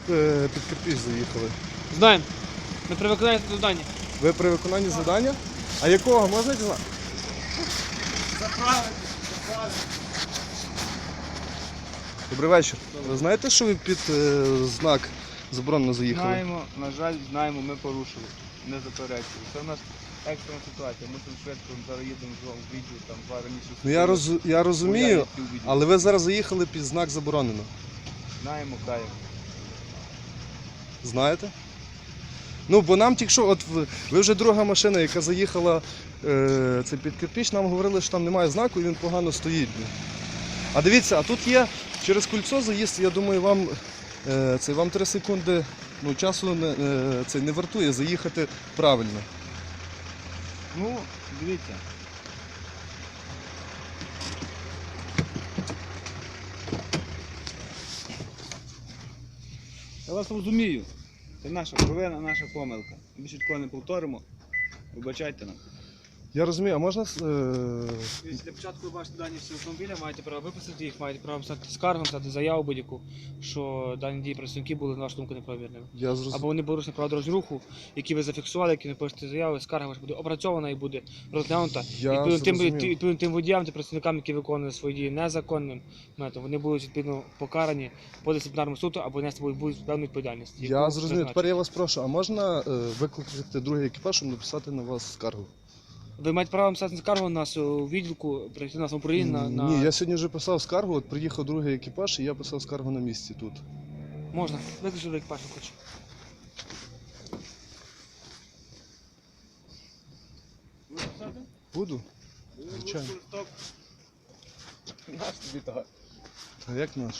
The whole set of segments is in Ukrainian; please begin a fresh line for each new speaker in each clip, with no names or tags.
під кирпич заїхали.
Знаємо. Ми при виконанні завдання.
Ви при виконанні завдання? А якого, можна дізнати? Добрий вечір. Ви знаєте, що ви під знак заборонено заїхали?
Знаємо, на жаль, знаємо, ми порушили, не заперечили. Це в нас екстрена ситуація, мусимо швидко, зараз їдемо в відділ, там два раніше.
Ну я розумію, але ви зараз заїхали під знак заборонено.
Знаємо, каємо.
Знаєте? Ну, бо нам тільки що, от ви вже друга машина, яка заїхала це під кирпич, нам говорили, що там немає знаку і він погано стоїть. А дивіться, а тут є через кільцо заїзд, я думаю, вам 3 секунди часу не вартує заїхати правильно.
Ну, дивіться. Я вас розумію. Це наша провина, наша помилка. Більше такого не повторимо. Вибачайте нам.
Я розумію, а можна...
Для початку ви бачите дані всі автомобіля, маєте право виписати їх, маєте право писати скаргу, писати заяву будь-яку, що дані дії працівники були, на вашу думку, неправомірними. Або вони порушені правила дорожнього руху, які ви зафіксували, які не пишете заяви, скарга ваша буде опрацьована і буде розглянута. Відповідно тим водіям та працівникам, які виконують свої дії незаконним методом, вони будуть відповідно покарані по дисциплінарному суду або нести будуть певну відповідальність.
Я зрозумів, тепер я вас прошу, а можна викликати другий екіпаж, щоб написати на вас скаргу?
Ви маєте право написати скаргу у нас у відділку, прийти на самоуправління на...
Ні, я сьогодні вже писав скаргу, от приїхав другий екіпаж і я писав скаргу на місці тут.
Можна, виключи екіпаж, не хочу.
Буду? Звичайно.
Наш тобі так.
А як наш?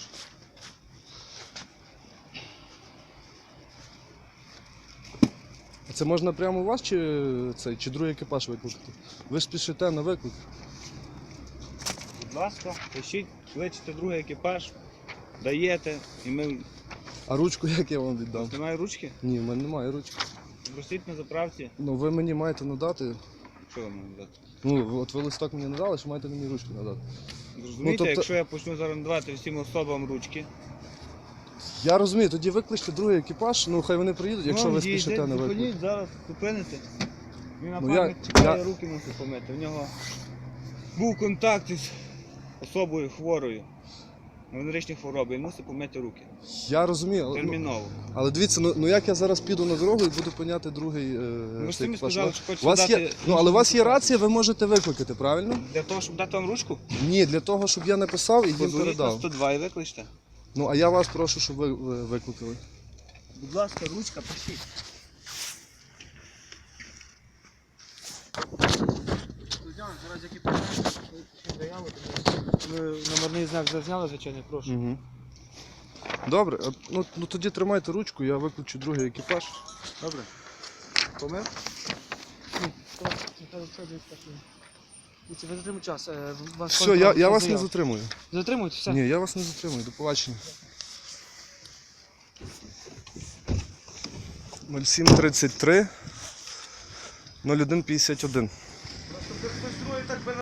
А це можна прямо у вас чи другий екіпаж викликати? Ви ж спішите на виклик.
Будь ласка, пишіть, кличете другий екіпаж, даєте, і ми...
А ручку як я вам віддам?
Немає ручки?
Ні, в мене немає ручки.
Просіть на заправці.
Ну ви мені маєте надати.
Що вам надати?
Ну, от ви листок мені надали, що маєте мені ручку надати.
Зрозумієте, якщо я почну зараз надавати всім особам ручки.
Я розумію, тоді викличте другий екіпаж, ну хай вони приїдуть, якщо ви спішите на виклик.
Зупиніть, зараз зупините. Він
Ну,
напарник чекає, руки мусить помити. В нього був контакт із особою хворою. Венеричні хвороби, він мусить помити руки.
Я розумію,
Терміново.
але дивіться, ну як я зараз піду на дорогу і буду пиняти другий
Ви ж самі
екіпаж?
сказали, що хочете
У вас
дати...
є, але у вас є рація, ви можете викликати, правильно?
Для того, щоб дати вам ручку?
Ні, для того, щоб я написав і їм
Позвоніть на
передав.
102 і викличте.
Ну, а я вас прошу, щоб ви викликали.
Будь ласка, ручка, пишіть.
Зараз які заяву, ви номерний знак зазняли, звичайно, прошу.
Угу. Добре, ну тоді тримайте ручку, я виключу другий екіпаж.
Добре. Помив?
Ви затримуєте час.
Все, я вас не затримую.
Затримуєте, все?
Ні, я вас не затримую, до побачення. 0733 0151.